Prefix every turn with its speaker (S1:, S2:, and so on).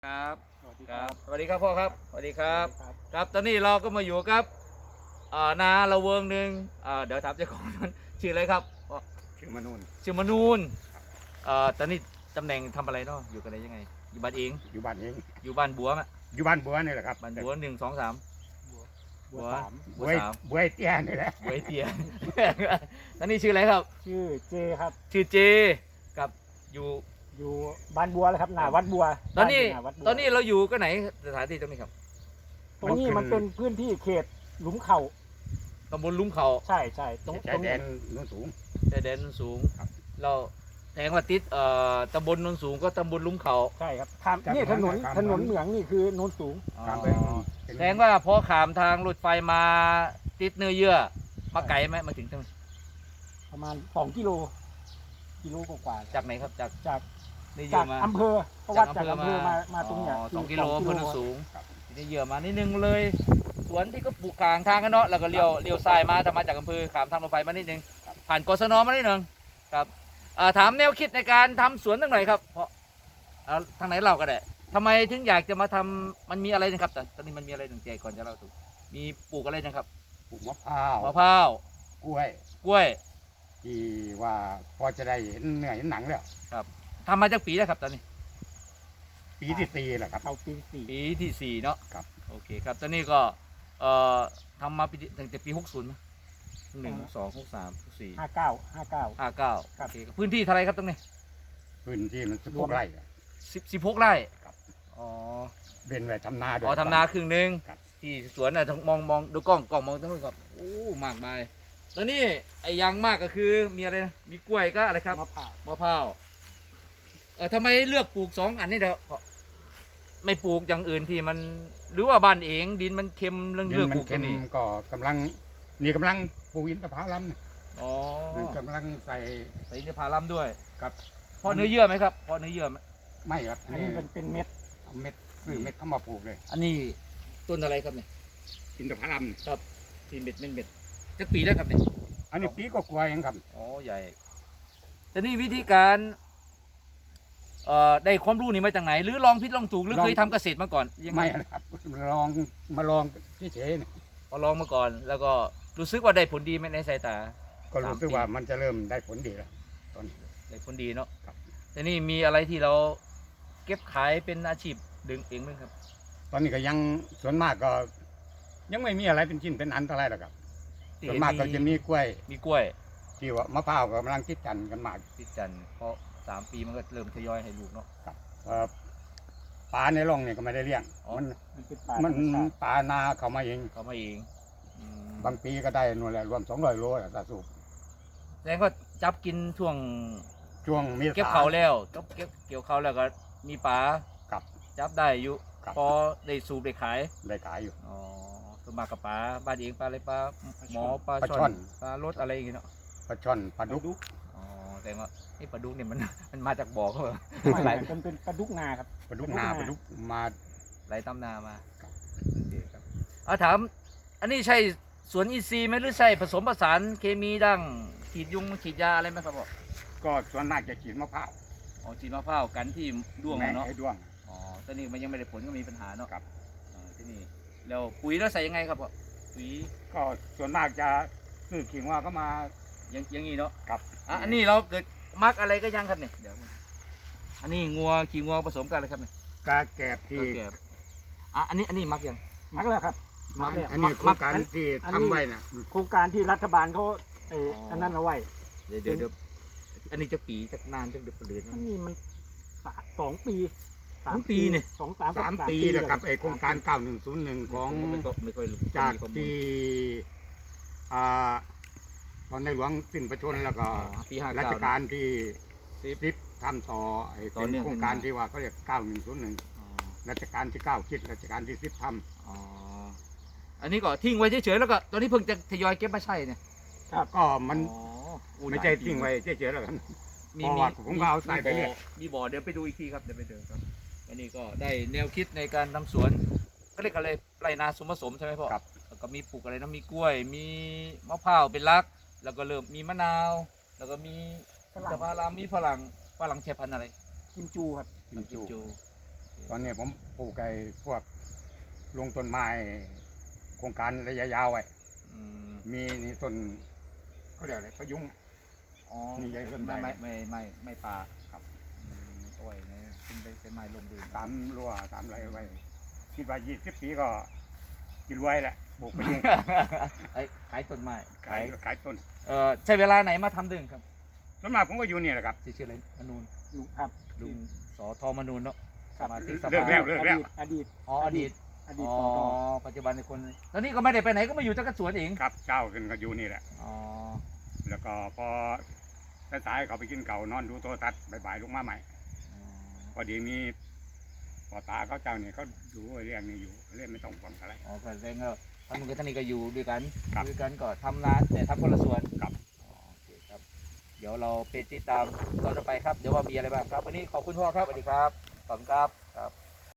S1: ครับ
S2: สวัสดี
S1: ค
S2: ค
S1: รั
S2: รั
S1: บบ สวัสดีครับพ่อครับสวัสดีครับ
S2: ครับ
S1: ครับตอนนี้เราก็มาอยู่กับนาละเวิงหนึ่งเดี๋ยวถามเจ้าของนั้นชื่ออะไรครับพ่อ
S2: ชื่อมนูน
S1: ชื่อมนูนตอนนี้ตำแหน่งทำอะไรเนาะอยู่กันได้ยังไงอยู่บ้านเอง
S2: อยู่บ้านเอง
S1: อยู่บ้านบัวมะ
S2: อยู่บ้านบัวนี่แหละครับ
S1: บ้านบัว1 2 3
S2: บัวสาม
S1: บัวสาม
S2: บัวเตี้ยนี่แหละ
S1: บัวไอเตีย ตอนนี้ชื่ออะไรครับ
S3: ชื่อเจครับ
S1: ชื่อเจกับอยู่
S3: อยู่บ้านบัวเลยครับหน้าวัดบัว
S1: ตอนนี้
S3: บ้ายู่หาวัดบัว
S1: ตอนนี้เราอยู่ก็ไหนสถานที่ตรงนี้ครับ
S3: ตรงนี้มันเป็นพื้นที่เขตหลุมเขา
S1: ตำบลลุ่มเขา
S3: ใช่ใช่ตรง
S2: ชายแด
S3: นี้
S2: นโน้นสูง
S1: ชายแดนโนนสูง
S2: ครับ
S1: เราแทงว่าติดตำบลโนนสูงก็ตำบลลุ่มเขา
S3: ใช่ครับนี่ถนนเหมืองนี่คือโนนสูง
S2: ตามไป
S1: แสดงว่าพอขามทางรถไฟมาติดเนื้อเยื่อมาไกลไหมมาถึงตรง
S3: ประมาณ2 กิโลกว่า
S1: จากไหนครับจาก
S3: จาก
S1: เนื้อเยื่
S3: จา
S1: อก มา
S3: อำเภอเพราะว่าจากอำเภอมาตรงเนี้ย
S1: 2 กิโล
S3: 2
S1: อำเภอโนนสูงเนื้อเยื่อมานิดนึงเลย สวนที่ก็ปลูกกลางทางกันเนาะแล้วก็เลี้ยวซ้ายมาถ้ามาจากอำเภอขามทางรถไฟมานิดนึงผ่านกศนมานิดนึงครับถามแนวคิดในการทำสวนตั้งหน่อยครับเพราะทางไหนเราก็ได้ทำไมถึงอยากจะมาทำมันมีอะไรนะครับแต่ตอนนี้มันมีอะไรหนึ่งใจก่อนจะเล่าถูกมีปลูกอะไรนะครับ
S2: ปลูกมะพร้าว
S1: มะพร้าว
S2: กล้วย
S1: กล้วย
S2: ที่ว่าพอจะได้เห็นเนื้อเห็นหนังแล้ว
S1: ทำมาจากปีแล้วครับตอนนี้
S2: ปีที่สี่แหละครับ
S3: เอาปีสี่
S1: ปีที่สี่เนาะ
S2: ครับ
S1: โอเคครับตอนนี้ก็ทำมาตั้งแต่ปี60มั้ย1 2 6 3 6 4
S3: 59
S1: 5 9โอเคครับพื้นที่เท่าไรครับตรงนี้
S2: พื้นที่มัน16 ไร่อะ
S1: 16 ไร่
S2: ครับ
S1: อ๋อ
S2: เป็นไว้ทำนาด้วย
S1: อ๋อทำนาครึ่งหนึ่ง
S2: ครับ
S1: ที่สวนน่ะมองดูกล้องมองตรงนู้นครับโอ้มากมายตอนนี้ไอ้อยังมากก็คือมีอะไรนะมีกล้วยก็อะไรครับ
S3: มะพร้าว
S1: มะพร้าวทำไมเลือกปลูก2 อันนี้เด้อเพราะไม่ปลูกอย่างอื่นที่มันหรือว่าบ้านเองดินมันเค็มเรื่อง
S2: ดิ
S1: เลือก
S2: นมั
S1: ปลู
S2: น
S1: ก
S2: เค็
S1: ตัว
S2: ม
S1: นี้
S2: ก็กำลังปลูกอินทผลัม
S1: อ๋อ
S2: กำลังใส่
S1: ใส่อินทผลัมด้วย
S2: ครับ
S1: เพราะเนื้อเยื่อไหมครับเพราะเนื้อเยื่อไหม
S2: ไม่ครับ
S3: อันนี้เป็นเม็ด
S2: เอาเม็ดคือเม็ดเข้ามาปลูกเลย
S1: อันนี้ต้นอะไรครับเนี่ย
S2: อินทผลัม
S1: ครับที่เม็ดจักปีแล้วครับเนี่ย
S2: อันนี้ปีก็กลัวเองครับ
S1: อ๋อใหญ่แต่นี่วิธีการได้ความรู้นี่มาจากไหน หรือลองผิดลองถูกหรือเคยทำเกษตรมาก่อนยังง
S2: ไม่นะครับมาลองเฉยๆเนี่ย
S1: พอลองมาก่อน แล้วก็รู้สึกว่าได้ผลดีไหมในสายตา
S2: ก็รู้สึกว่ามันจะเริ่มได้ผลดีแล้วตอนนี้
S1: ได้ผลดีเนาะ
S2: ครับ
S1: แต่นี่มีอะไรที่เราเก็บขายเป็นอาชีพดึงเองไหมครับ
S2: ตอนนี้ก็ยังส่วนมากก็ ยังไม่มีอะไรเป็นชิ้นเป็นอันเท่าไหรหรอกครับส่วนมากก็จะมีกล้วย
S1: มีกล้วย
S2: ที่ว่ามะพร้าวกำลังคิดกันกันมาก
S1: พิจันทร์เพราะ3 ปีมันก็เริ่มทยอยให้ลูกเนาะ
S2: เอ่อปลาในร่องเนี่ยก็ไม่ได้เลี้ยง
S1: อ๋อ
S3: มันเป็นป่า
S2: มัน
S3: ธรรมชาติ
S2: ปลานาเขามาเอง
S1: เขามาเองอืม
S2: บางปีก็ได้นู่นแหละรวม200 โลอะตาสูบ
S1: แสดงว่าจับกินช่วง
S2: ช่วงเมษา
S1: เก็บเขาแล้วเก็บเกี่ยวเขาแล้วก็มีปลา
S2: กับ
S1: จับได้อยู่
S2: ครับ
S1: พอได้สูบได้ขาย
S2: ได้ขายอยู่
S1: อ๋อส่วนมากกับปลาบ้านเองปลาอะไรปลาหมอปลา
S2: ปลาช่
S1: ช่อ
S2: อน น
S1: ปลารสอะไรอย่างเงี้ยเนาะ
S2: ปลาช่อนปลาดุก
S1: อ๋อแต่ว่าไอ้ปลาดุกเนี่ยมัน มันมาจากบ่อเขาเหรอ
S3: ไม่
S1: ไหล
S3: มันเป็นปลาดุกนาครับ
S2: ปลาดุกนาปลาดุกมา
S1: ไหลตำนามา
S2: ครับ
S1: โอเคครับเอาถามอันนี้ใช่สวนอินทรีย์ไหมหรือใช่ผสมผสานเคมีดั้งฉีดยุงฉีดยาอะไรไหมครับพ่อ
S2: ก็ส่วนมากจะฉีดมะพร้าว
S1: อ๋อฉีดมะพร้าวกันที่ด้วง
S2: แม่
S1: อะเนาะ
S2: ให้ด้วง
S1: อ๋อตอนนี้มันยังไม่ได้ผลก็มีปัญหาเนาะ
S2: ครับ
S1: ที่นี่แล้วปุ๋ยแล้วใส่ยังไงครับพ่อปุ๋ย
S2: ก็ส่วนมากจะซื้อขิงว่าก็มา
S1: อย่างนี้เนาะ
S2: กับ
S1: อันนี้เราเกิดมักอะไรก็ยังครับเนี่ยเดี๋ยวอันนี้ขี้งัวผสมกันเลยครับเนี่ย
S2: กาแกบที่
S1: แกบอันนี้มักยัง
S3: มักแล้วครับมักแล้ว
S2: อันนี้โครงการที่
S3: อันนี้
S2: ทำไว้นะ
S3: โครงการที่รัฐบาลเขาอันนั้นเอาไว้
S1: เดี๋ยวอันนี้จะปีจะนานจะเดือนเดือน
S3: อันนี้มัน2 ปี
S1: 2 ปีเนี่ย
S2: 3 ปีนะครับไอโครงการ 9101 ของ
S1: ไม่ค่อยรู้
S2: จากที่อ่าตอนในหลวงสิ้นพระชนม์แล้วก็
S1: ปี59
S2: รัชกาลที่
S1: 10
S2: 10ทำต่อไอ้
S1: ต่อ
S2: เป็น
S1: เนื่อง
S2: โครงการที่ว่าเขาเรียก 9101
S1: อ๋อ
S2: รัชกาลที่ 9 คิดรัชกาลที่ 10ท
S1: อ๋ออันนี้ก็ทิ้งไว้เฉยๆแล้วก็ตอนนี้เพิ่งจะทยอยเก็บมาใช้เนี่ย
S2: ำก็มัน
S1: อ๋อ
S2: ไม่ใช่ทิ้งไว้เฉยๆแล้วกัน
S1: มี
S2: เพราะว่าผมก็เอาใส่ไปเรื่อย
S1: มีบ่อเดี๋ยวไปดูอีกทีครับเดี๋ยวไปดูครับอันนี้ก็ได้แนวคิดในการทำสวนก็เรียกอะไรไรนาสมผสมใช่ไหมพ่อ
S2: ครับ
S1: แล้วก็มีปลูกอะไรนะมีกล้วย มีมะพร้าวเป็นหลัก แล้วก็เริ่มมีมะนาว แล้วก็มี
S3: ฝรั่ง
S1: สะพารามมีฝรั่งใช้พันธุ์อะไร
S3: กิมจูครับ
S2: กิมจู
S1: จู
S3: ฝ
S2: ตอนนี้ผมปลูกไอ้พวกลงต้นไม้โครงการระยะยาวไว้
S1: อืม
S2: มีนี่ต้นเขาเรียกอะไรพะยุง
S1: อ๋อ
S2: นี่ใหญ่ต้นใหญ่
S1: ไม่ปลา
S2: ครับ
S1: อ้อยเนี่ยเป็นไม้ลงดิน
S2: ตามรั้วตามอะไรไว้คิดว่า20 ปีก็กินรวยแหละปลูกพะยุง
S1: ไอ้ขายต้นไม้
S2: ขายต้น
S1: ใช้เวลาไหนมาทำดึงครับ
S2: ส่วนมากผมก็อยู่นี่แหละครับ
S1: ชื่ออะไรมนูน
S3: ลุงครับ
S1: ลุงสอทอมนูนเนาะสมาชิกส
S2: เลิก
S1: ภา
S2: แล้ว
S3: อดีต
S1: อ๋ออดีต
S3: อดีต
S1: อ๋อ
S3: ปต
S1: ปัจจุบันในคนตอนนี้ก็ไม่ได้ไปไหนก็มาอยู่จักรสวนเอง
S2: ครับเจ้าขึ้นก็อยู่นี่แหละ
S1: อ๋อ
S2: แล้วก็พอสายๆเขาไปกินเก่านอนดูโทรทัศน์บ่ายๆลงมาใหม่ พอดีมีพ่อตาเขาเจ้าเนี่ยเขาดูเรื่องนี้อยู่เรื่องไม่ต้องห่วงอะไร
S1: อ๋อก็แสดงว่าท่านมึงกับท่านนี่ก็อยู่ด้วยกัน
S2: ครับ
S1: ด้วยกันก็ทำร้านแต่ทำคนละส่วน
S2: ครับ
S1: อ๋อโอเคครับ เดี๋ยวเราไปติดตามตอนต่อไปครับ เดี๋ยวว่ามีอะไรบ้างครับ วันนี้ขอบคุณพ่อครับสวัสดีครับขอบคุณครับครับ